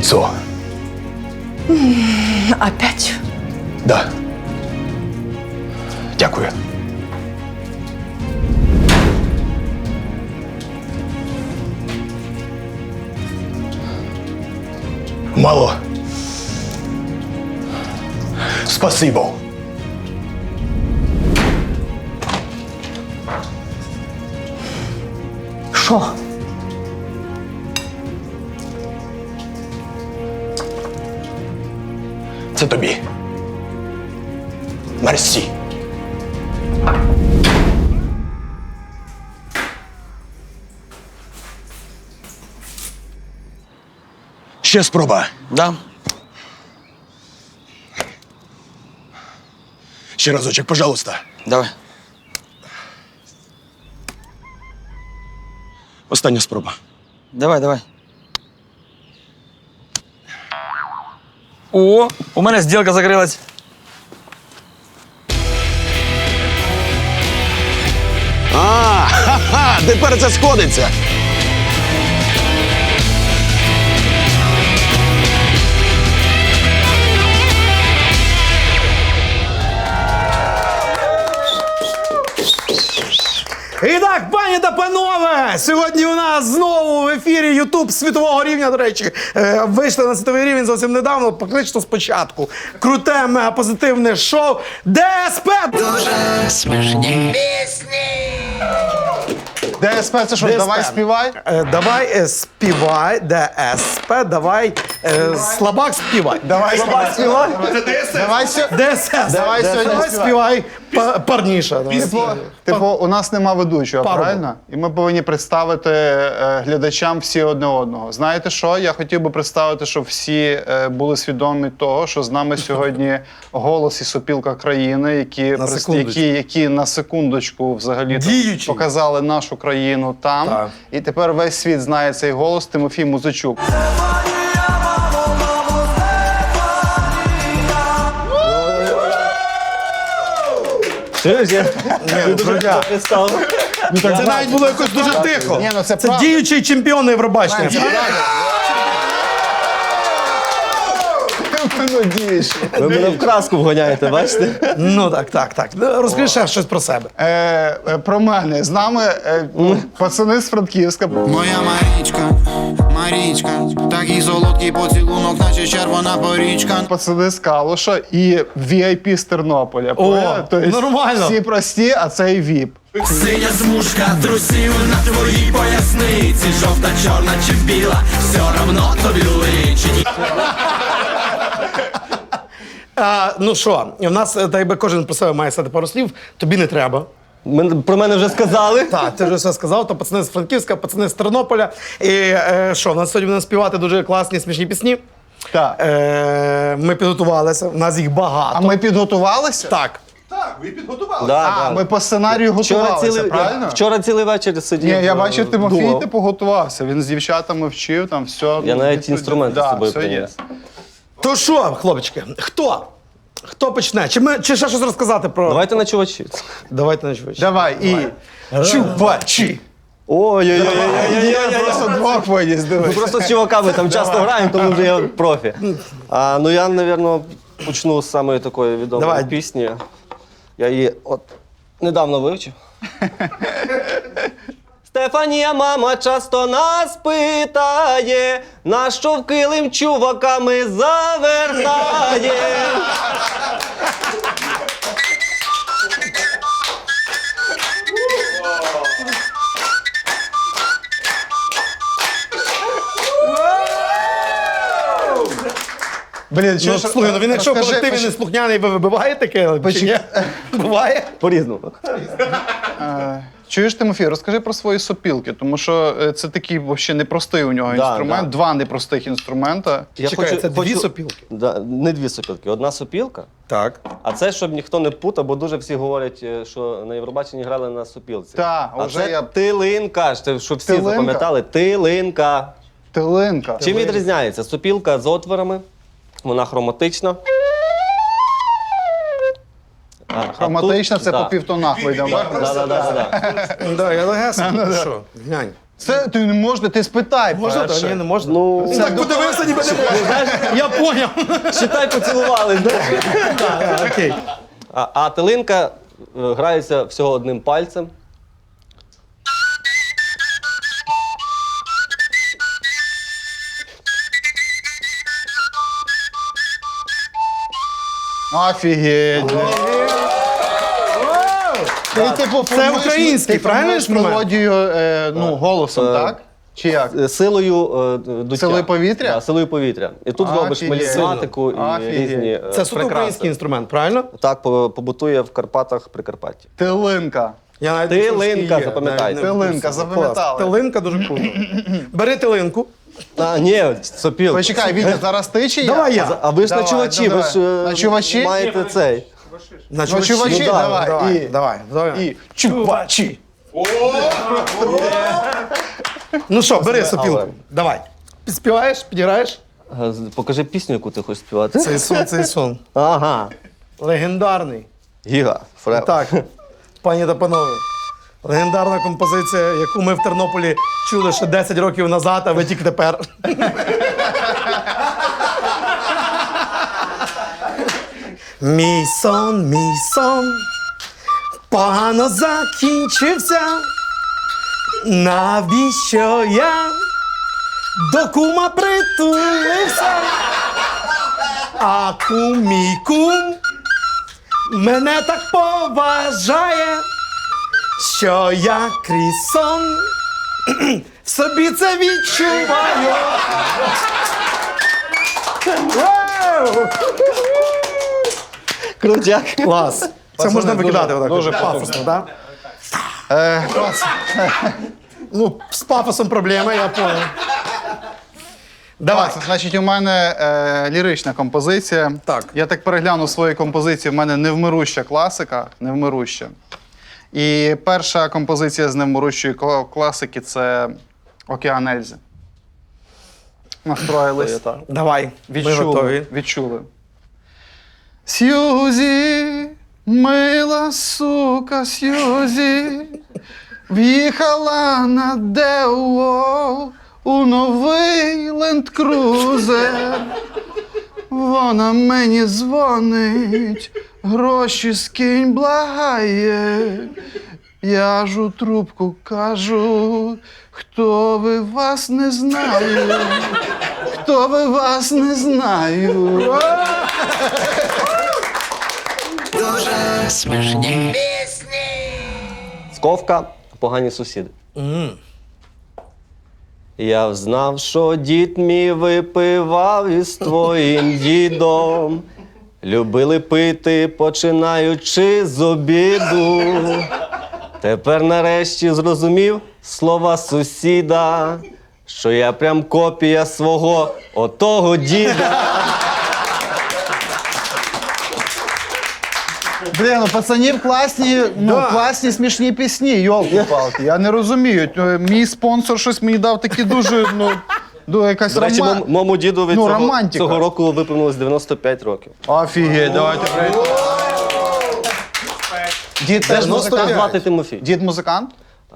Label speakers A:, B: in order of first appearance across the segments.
A: лицо.
B: Опять?
A: Да. Дякую. Мало. Спасибо.
B: Що?
A: Це тобі. Мерсі. Ще спроба.
C: Да.
A: Ще разочек, пожалуйста.
C: Давай.
A: Остання спроба.
C: Давай, давай. О, у мене зділка закрилась.
A: Ха-ха, тепер це сходиться.
D: І так, пані та панове, сьогодні у нас знову в ефірі Ютуб світового рівня, до речі. Вийшли на світовий рівень зовсім недавно, практично спочатку. Круте, мегапозитивне шоу ДСП!
E: Дуже смішні пісні.
F: ДСП це що,
D: ДСП.
F: давай співай?
D: Давай співай, ДСП, давай слабак співай.
F: Давай співай. Давай
D: ДСС.
F: Давай сьогодні
D: Давай співай парніша.
F: Типу, у нас нема ведучого,
D: Парубок.
F: правильно? І ми повинні представити глядачам всі одне одного. Знаєте що? Я хотів би представити, щоб всі були свідомі того, що з нами сьогодні голос і сопілка країни, які на секундочку взагалі
D: Діючі.
F: показали нашу країну там.
D: Так.
F: І тепер весь світ знає цей голос. Тимофій Музичук.
D: Це навіть було якось дуже тихо.
F: Ні, ну це
D: Це
F: правда.
D: діючий чемпіон Євробачення.
F: Ну, діючі.
G: Ви мене в краску вганяєте, бачите?
D: Ну так. Розкажи ще щось про себе.
F: Про мене. З нами пацани з Франківська.
E: Моя Марічка, такий солодкий поцілунок, наче червона порічка.
F: Пацани з Калуша і VIP з Тернополя. Тобто
D: нормально.
F: Всі прості, а це і VIP.
E: Синя смужка трусів на твоїй поясниці, жовта, чорна чи біла, все равно тобі личить.
D: Ну що, у нас, так якби кожен про себе має сказати пару слів, тобі не треба.
G: Про мене вже сказали.
D: Так, ти вже все сказав, то пацани з Франківська, пацани з Тернополя. І що, у нас сьогодні будемо співати дуже класні, смішні пісні.
F: Так.
D: Ми підготувалися, у нас їх багато.
F: А ми підготувалися?
D: Так.
F: Ми по сценарію готувалися, правильно?
G: Вчора цілий вечір сидів.
F: Ні, я бачив, Тимофій,
G: думав.
F: типу, готувався. Він з дівчатами вчив, там все.
G: Я навіть інструменти з собою
F: все є.
G: приніс.
D: То що, хлопчики, хто? Хто почне? Чи ще щось розказати про...
G: Давайте на чувачі.
D: Давайте на чувачі.
F: Давай, і чувачі.
G: Ой-ой-ой.
F: Я просто двох виніс,
G: Ми
F: дивись.
G: просто з чуваками там часто граємо, тому вже я профі. Ну я, мабуть, почну з самої такої відомої
D: Давай.
G: пісні. Я її от недавно вивчив. Стефанія, мама, часто нас питає, нащо в килим чуваками завертає.
F: Блін,
D: Ну,
F: чуєш,
D: слухай, ну він якщо в
F: розкажи,
D: колективі не слухняний, ви вибиваєте таке? Чи ні? Буває?
G: По-різному.
F: Чуєш, Тимофій, розкажи про свої сопілки, тому що це такий взагалі непростий у нього
G: Да,
F: інструмент,
G: да.
F: два непростих інструмента.
G: Я
D: Чекай, це дві сопілки?
G: Да, не дві сопілки, одна сопілка.
D: Так.
G: А це, щоб ніхто не путав, бо дуже всі говорять, що на Євробаченні грали на сопілці.
F: Так,
G: а
F: уже
G: це
F: я-
G: тилинка, щоб всі
F: Тилинка?
G: запам'ятали. Тилинка.
F: Тилинка.
G: Чим відрізняється? Сопілка з отворами, вона хроматична. А
F: Хроматична
G: тут-
F: це
G: да.
F: по півтонах вийде.
G: Да.
D: Да, я легесенько. Що? Глянь.
F: Це ти не можна, ти спитай.
D: Можна?
F: перше.
D: Та ні, не можна.
G: Ну,
D: Він так подивився, ніби не можна. Я поняв.
G: считай, поцілували, знаєш.
D: Окей.
G: А тилинка грається всього одним пальцем.
F: Офігеть. Ти, типу, формуєш-
D: український,
F: ти
D: правильно
F: формуєш
D: інструмент?
F: мелодію голосом, так? Чи як?
G: Силою дуття.
F: Силою повітря?
G: Да, силою повітря. І тут робиш
F: Офігеть.
G: мелізматику і
F: Офігеть.
G: різні
D: Це суто український інструмент, правильно?
G: Так, побутує в Карпатах, Прикарпатті.
F: Тилинка.
D: Я навіть
G: Тилинка,
D: не знав, що є.
G: запам'ятайте.
D: Навіть не в
F: Тилинка,
D: курсі.
F: запам'ятали.
D: Клас. Тилинка дуже круто. Бери тилинку.
G: А, ні, сопіл.
F: Почекай, Вітя, зараз ти чи я?
D: Давай я.
G: А ви ж
F: Давай,
G: начувачі,
F: ну,
G: ви ж
F: давай. Начувачі?
G: маєте цей.
D: На
F: чувачі,
D: Ну,
F: давай.
D: Давай.
F: І чувачі.
D: Ну що, бери
G: Але.
D: сопілку. Давай. Співаєш, підіграєш?
G: Покажи пісню, яку ти хочеш співати.
D: Цей сон.
G: Ага.
D: Легендарний.
G: Гіга. Фрев.
D: Так, пані та панове. Легендарна композиція, яку ми в Тернополі чули ще 10 років назад, а ви тільки тепер. Мій сон, погано закінчився. Навіщо я до кума притулився? А мій кум мене так поважає, що я крізь сон в собі це відчуваю. Вау!
G: Крутяк.
D: Клас. Це
F: Пацани,
D: можна викидати
F: дуже-
D: отак.
F: дуже
D: пафосно, так? Ну, з пафосом проблеми, я понял. Давай.
F: Значить, у мене лірична композиція.
D: Так.
F: Я так переглянув свої композиції, в мене невмируща класика, невмируща. І перша композиція з невмирущої класики це Океан Ельзи. Настроїлись.
D: Давай. Ми готові.
F: Відчули. Сьюзі, мила сука, Сьюзі, в'їхала на Део у новий ленд-крузер. Вона мені дзвонить, гроші скинь, благає. Я ж у трубку кажу, хто ви, вас не знаю. Хто ви, вас не знаю.
G: Сковка, погані сусіди. Я взнав, що дід мій випивав із твоїм дідом. Любили пити, починаючи з обіду. Тепер нарешті зрозумів слова сусіда, що я прям копія свого отого діда.
F: Блін, у пацанів класні, класні смішні пісні, йолки-палки. Я не розумію. Мій спонсор щось мені дав такі дуже, якась
G: До речі, моєму дідові
F: романтика.
G: цього року виповнилось 95 років.
F: Офігеть, давайте привіт. Дід теж
G: Як звати
F: музикант?
G: Тимофій?
F: Дід музикант?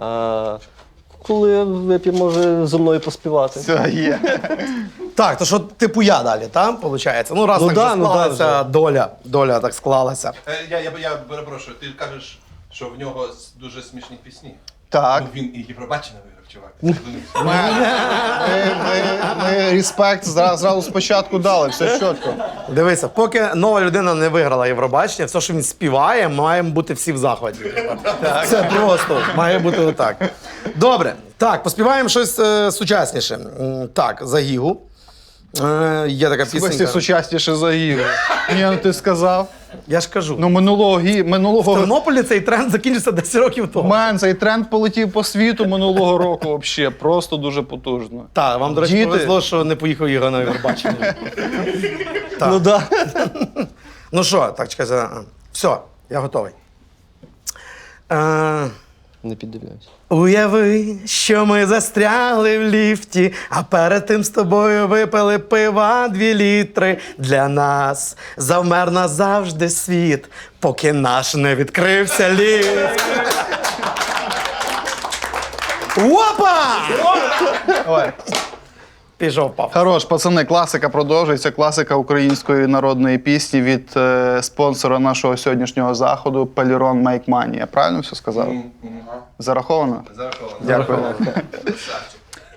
G: Коли вип'є, може зі мною поспівати.
F: Це є.
D: Так, то що типу я далі, там, виходить? Ну, раз
G: Ну
D: так
G: да,
D: вже
G: ну да,
D: склалася доля так склалася.
B: Я перепрошую, ти кажеш, що в нього дуже смішні пісні.
F: Так.
B: Ну, він і Євробачення виграв, чувак.
F: Ми респект зразу спочатку дали, все чітко.
D: Дивися, поки нова людина не виграла Євробачення, все, що він співає, маємо бути всі в захваті. Це просто має бути отак. Добре, так, поспіваємо щось сучасніше. Так, за Гігу. Є така
F: Всі
D: пісенька.
F: сучасніше за Ігор. Ні, ну ти сказав.
D: Я ж кажу.
F: Ну минулого
D: В Тернополі цей тренд закінчився 10 років тому.
F: Мен, цей тренд полетів по світу минулого року взагалі. Просто дуже потужно.
D: Так, вам, до речі,
F: Діти.
D: повезло, що не поїхав Ігор на Євробачення.
G: Ну да.
D: Ну що, так, чекайте. Все, я готовий.
G: Не піддивляюсь.
D: Уяви, що ми застрягли в ліфті, а перед тим з тобою випили пива 2 літри. Для нас завмер назавжди світ, поки наш не відкрився ліфт. Опа!
F: Ой.
D: Пішов, пап.
F: Хорош, пацани, класика продовжується. Класика української народної пісні від спонсора нашого сьогоднішнього заходу Пелірон Make Money. Я правильно все сказав? Зараховано?
B: Зараховано.
F: Дякую.
B: Красавчик.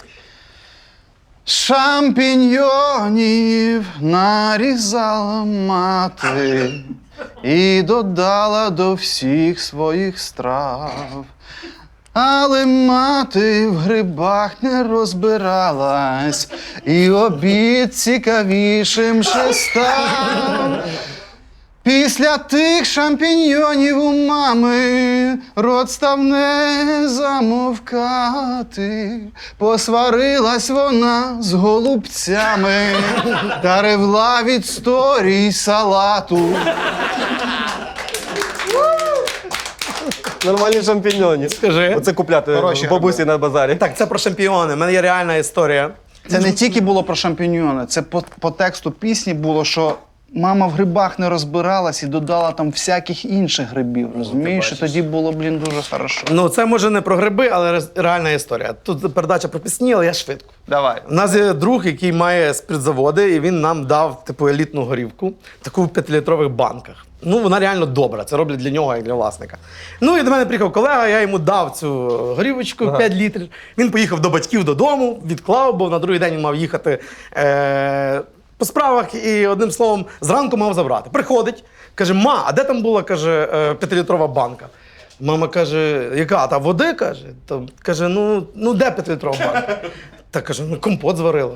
F: Шампіньйонів нарізала мати і додала до всіх своїх страв. Але мати в грибах не розбиралась, і обід цікавішим ще став. Після тих шампіньйонів у мами рот став не замовкати. Посварилась вона з голубцями та ревла від сторій салату.
G: Нормальні шампіньйони.
D: Скажи.
G: Оце купляти
F: Хороші
G: в бабусі на базарі.
D: Так, це про шампіони. У мене є реальна історія.
F: Це не тільки було про шампіньйони, це по тексту пісні було, що мама в грибах не розбиралась і додала там всяких інших грибів. Розумієш? І тоді було, дуже хорошо.
D: Ну, це може не про гриби, але реальна історія. Тут передача про пісні, але я швидко.
F: Давай.
D: У нас є друг, який має спиртзаводи, і він нам дав типу елітну горівку, таку в 5-літрових банках. Ну, вона реально добра, це роблять для нього, як для власника. Ну, і до мене приїхав колега, я йому дав цю горівочку 5 літрів. Він поїхав до батьків додому, відклав, бо на другий день він мав їхати по справах і, одним словом, зранку мав забрати. Приходить, каже: ма, а де там була, каже, 5-літрова банка? Мама каже: яка? Та води, каже. То, каже, ну де 5-літрова банка? Та каже, ну компот зварила.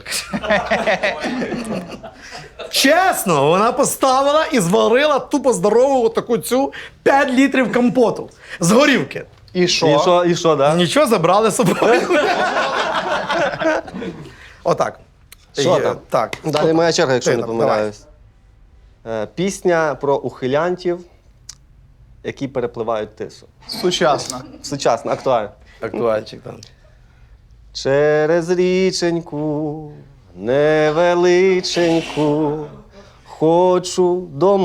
D: Чесно, вона поставила і зварила тупо здорову таку цю 5 літрів компоту з горівки.
F: І що?
G: І що, да?
D: Нічого, забрали з собою. Отак.
G: Що там?
D: Так.
G: Далі моя черга, якщо
D: Ти
G: не
D: там,
G: помиляюсь. Пісня про ухилянтів, які перепливають тису.
F: Сучасно.
G: Сучасно, актуально.
D: Актуальчик там.
G: Через річеньку невеличеньку хочу до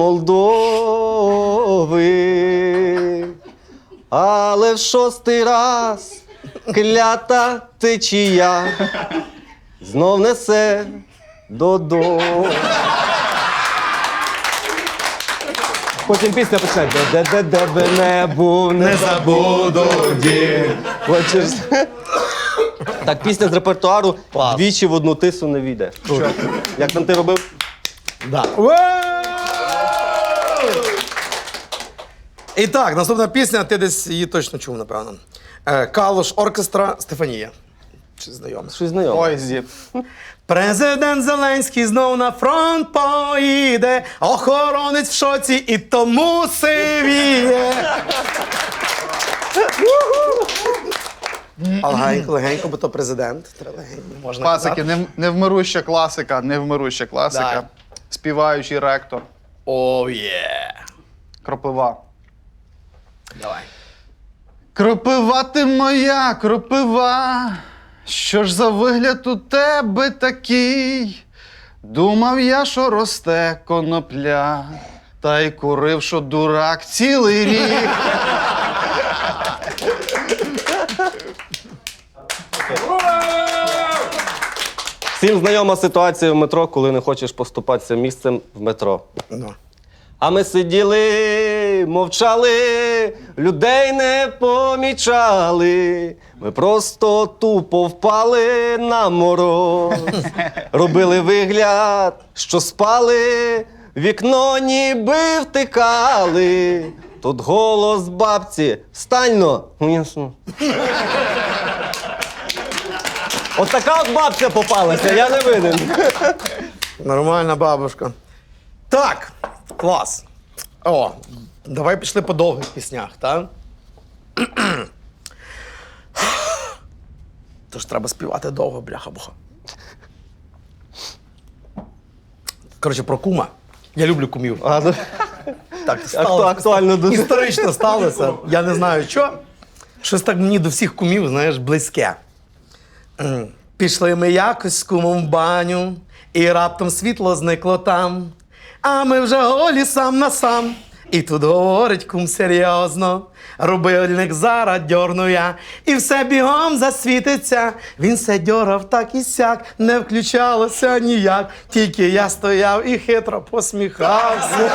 G: Молдови, але в 6-й раз клята течія знов несе додому. Потім пісня почне. Де би не був, не забуду дім. Хочеш? Так, пісня з репертуару
D: Клас.
G: двічі в одну тису не війде. Як там ти робив?
D: Да. І так, наступна пісня, ти десь її точно чув, напевно. Калуш оркестра Стефанія. Чи знайомий?
G: Щось знайоме.
F: Ой, зіп.
D: Президент Зеленський знов на фронт поїде, охоронець в шоці і тому сивіє. Легенько, легенько, бо то президент. Треба легенько, не можна
F: Класики,
D: казати.
F: невмируща класика, невмируща класика.
D: Да.
F: Співаючий ректор.
D: О, є.
F: Кропива.
D: Давай.
F: Кропива ти моя, кропива, що ж за вигляд у тебе такий? Думав я, що росте конопля, та й курив, що дурак цілий рік.
G: Всім знайома ситуація в метро, коли не хочеш поступатися місцем в метро.
D: Ну.
G: А ми сиділи, мовчали, людей не помічали. Ми просто тупо впали на мороз. Робили вигляд, що спали, вікно ніби втикали. Тут голос бабці: «Встань-но!» Ясно. От така от бабця попалася, я не винен.
D: Нормальна бабушка. Так, клас. О, давай пішли по довгих піснях, так? Тож треба співати довго, бляха-буха. Коротше, про кума. Я люблю кумів.
G: А, ну,
D: Так,
G: актуально дуже.
D: Історично сталося. Я не знаю, що. Щось так мені до всіх кумів, знаєш, близьке. Пішли ми якось з кумом в баню, і раптом світло зникло там. А ми вже голі сам на сам. І тут говорить кум серйозно, рубильник зараз дьорну я, і все бігом засвітиться. Він се дьорав так і сяк, не включалося ніяк, тільки я стояв і хитро посміхався.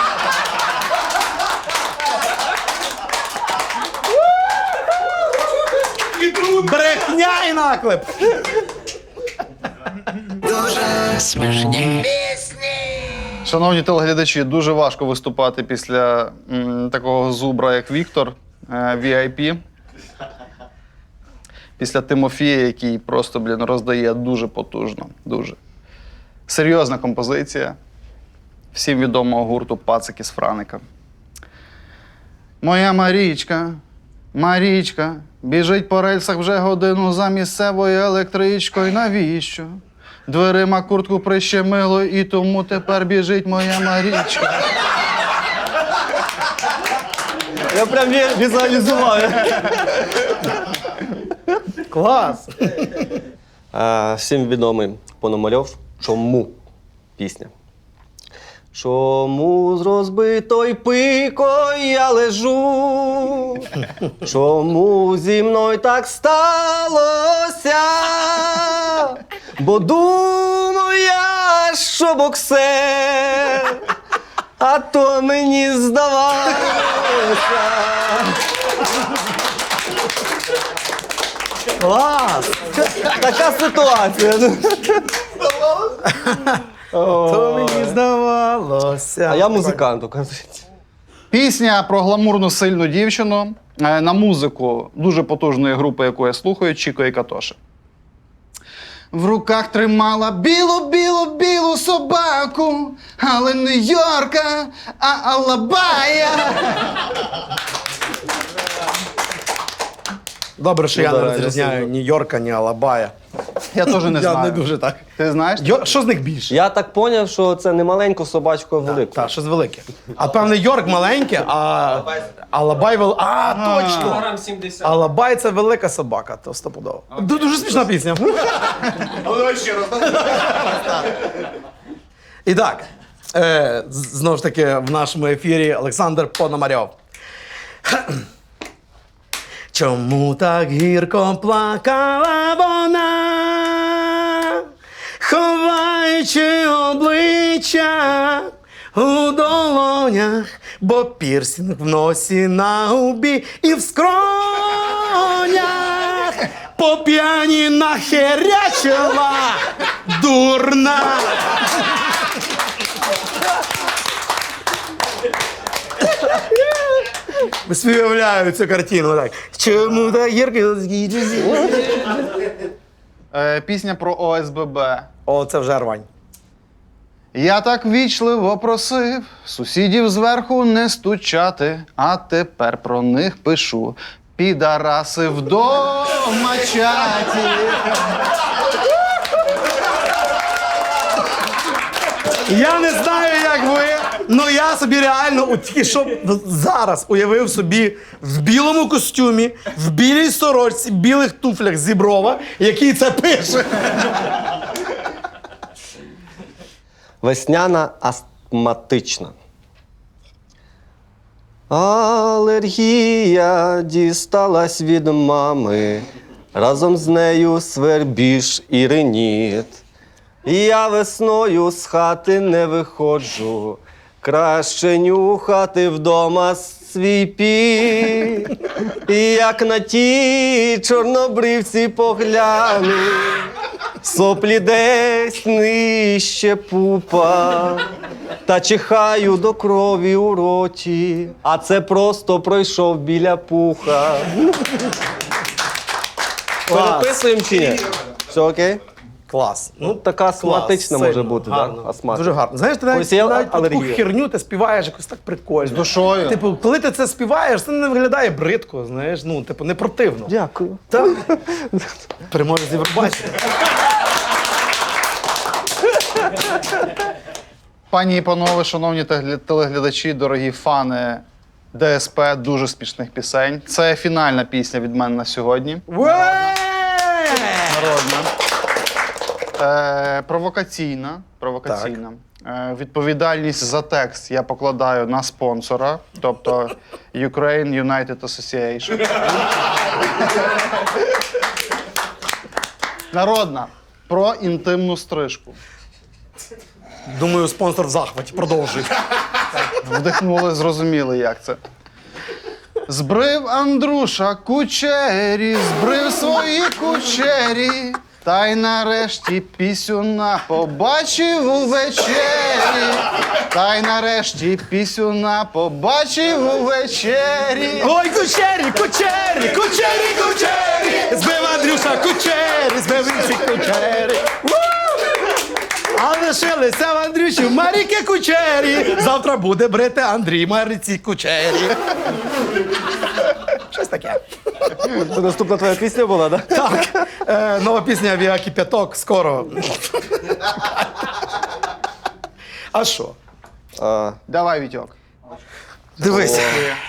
D: Брехня і наклеп!
F: Шановні телеглядачі, дуже важко виступати після такого зубра, як Віктор, VIP. Після Тимофія, який просто, роздає дуже потужно. Дуже. Серйозна композиція. Всім відомого гурту «Пацики з Франика». Моя Марічка, Марічка, біжить по рельсах вже годину за місцевою електричкою. Навіщо? Дверима куртку прищемило, і тому тепер біжить моя Марічка.
G: Я прям візуалізував.
D: Клас!
G: Всім відомий Пономарьов. Чому? Пісня. Чому з розбитою пикою я лежу? Чому зі мною так сталося? Бо думаю я, що боксер, а то мені здавалося.
D: Клас!
G: Така ситуація.
D: То мені здавалося.
G: А я музикант, оказується.
F: Пісня про гламурну сильну дівчину на музику дуже потужної групи, яку я слухаю, Чіко і Катоші. В руках тримала білу собаку, але не Йорка, а Алабая.
D: Добре, що я
G: Ну,
D: не
G: да,
D: розрізняю
G: я
D: ні Йорка, ні Алабая.
F: Я теж не
D: Я
F: знаю.
D: не дуже так.
F: Ти знаєш?
D: Що з них більше?
G: Я так поняв, що це не маленьку собачку, а велику.
D: Так, щось велике. А певне Йорк маленьке, а Алабай великий. А, точно! Алабай це велика собака, то стопудово. Дуже смішна пісня. І так, знову ж таки, в нашому ефірі Олександр Пономарьов. Чому так гірко плакала вона, ховаючи обличчя у долонях, бо пірсінг в носі, на губі і в скронях, по п'яні нахерячила дурна. Уявляю цю картину так. Чому так гірко?
F: Пісня про ОСББ.
D: О, це вже рвань.
F: Я так вічливо просив сусідів зверху не стучати, а тепер про них пишу. Підараси вдома чаті.
D: Я не знаю, як ви, але я собі реально от тільки що зараз уявив собі в білому костюмі, в білій сорочці, білих туфлях Зіброва, який це пише.
G: Весняна астматична. Алергія дісталась від мами, разом з нею свербіж і риніт. Я весною з хати не виходжу, краще нюхати вдома свій піт. І як на ті чорнобривці погляну, соплі десь нижче пупа, та чихаю до крові у роті, а це просто пройшов біля пуха. Переписуємо чи ні? Все окей?
D: Клас.
G: Ну, така астматична може
D: сильно,
G: бути,
D: гарно.
G: так? Астматика.
D: Дуже гарно. Знаєш, ти навіть,
G: Ось є
D: навіть таку
G: алергія.
D: херню ти співаєш якось так прикольно. З
F: душою.
D: Типу, коли ти це співаєш, це не виглядає бридко, знаєш, ну, типу, не противно.
G: Дякую.
D: Так? Переможець Євробачення.
F: Пані і панове, шановні телеглядачі, дорогі фани ДСП, дуже смішних пісень. Це фінальна пісня від мене на сьогодні. Народна. Провокаційна. Відповідальність за текст я покладаю на спонсора, тобто Ukraine United Association. Народна. Про інтимну стрижку.
D: Думаю, спонсор в захваті. Продовжуй.
F: Вдихнули, зрозуміли, як це. Збрив Андруша кучері, збрив свої кучері, та й нарешті пісюна побачив увечері. Та й нарешті пісюна побачив увечері.
D: Ой, кучері, кучері, кучері, кучері! Збив Андрюша кучері, збив інших кучері. У! А лишилися в Андрюші Маріки кучері. Завтра буде брити Андрій Маріці кучері. Щось таке.
G: Це наступна твоя пісня була, так?
D: Так, нова пісня «Авіа Кип'яток» скоро. А що?
F: Давай, Вітьок.
D: Дивись.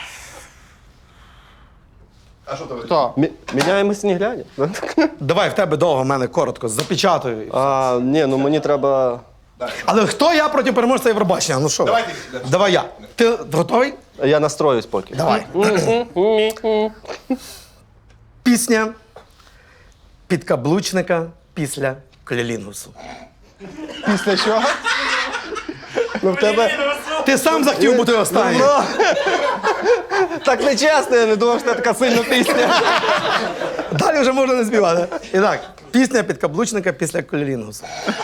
B: А що тебе?
F: Хто?
G: Міняємось не глядя.
D: Давай в тебе довго, в мене коротко, запечатую.
G: Ні, ну мені треба.
D: Але хто я проти переможця Євробачення? Ну що? ви?
B: Давай ти.
D: Давай я. Ти готовий?
G: Я настроюсь поки.
D: Давай. Пісня підкаблучника після клілінгусу.
F: Після чого?
G: Ну в тебе.
D: Ти сам захотів бути останнім.
G: Так не чесно, я не думав, що це така сильна пісня.
D: Далі вже можна не співати. І так, пісня підкаблучника після клілінгусу.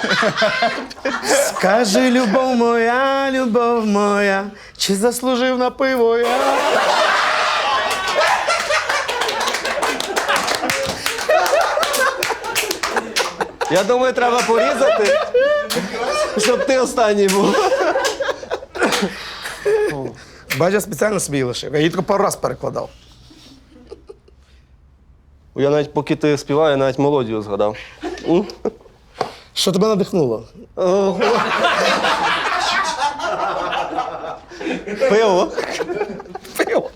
D: Скажи, любов моя, чи заслужив на пиво я?
G: Я думаю, треба порізати, щоб ти останній був.
D: Бачиш, я спеціально собі її лишив. Я її тільки пару раз перекладав.
G: Я навіть поки ти співав, я навіть мелодію згадав.
D: Що тебе надихнуло?
G: Пиво.
D: Пиво.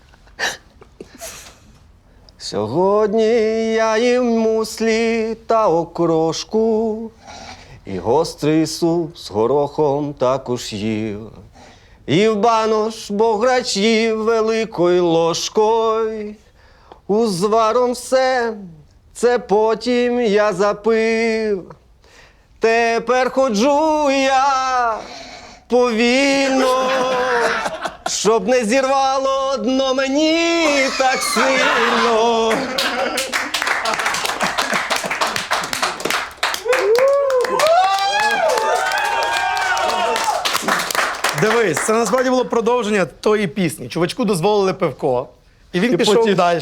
G: Сьогодні я їм муслі та окрошку, і гострий суп з горохом також їв. І в банош бограч їв великою ложкою. Узваром все, це потім я запив. Тепер ходжу я повільно, щоб не зірвало дно мені так сильно.
D: Дивись, це насправді було продовження тої пісні. Чувачку дозволили пивко. І він
G: І
D: пішов
G: потім-
D: далі.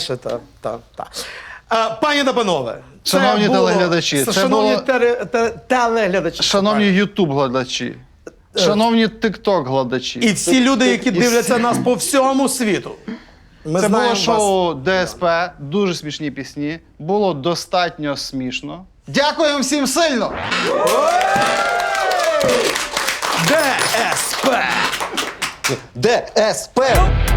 D: Пані та панове, це
F: Шановні
D: було-
F: телеглядачі, це
D: шановні
F: було-
D: телеглядачі.
F: Шановні ютуб-гладачі, шановні тикток-гладачі.
D: І всі люди, які дивляться нас по всьому світу. Ми
F: Це
D: знаємо
F: було
D: вас.
F: шоу ДСП, дуже смішні пісні. Було достатньо смішно. Дякуємо всім сильно!
D: ДСП.
G: ДСП!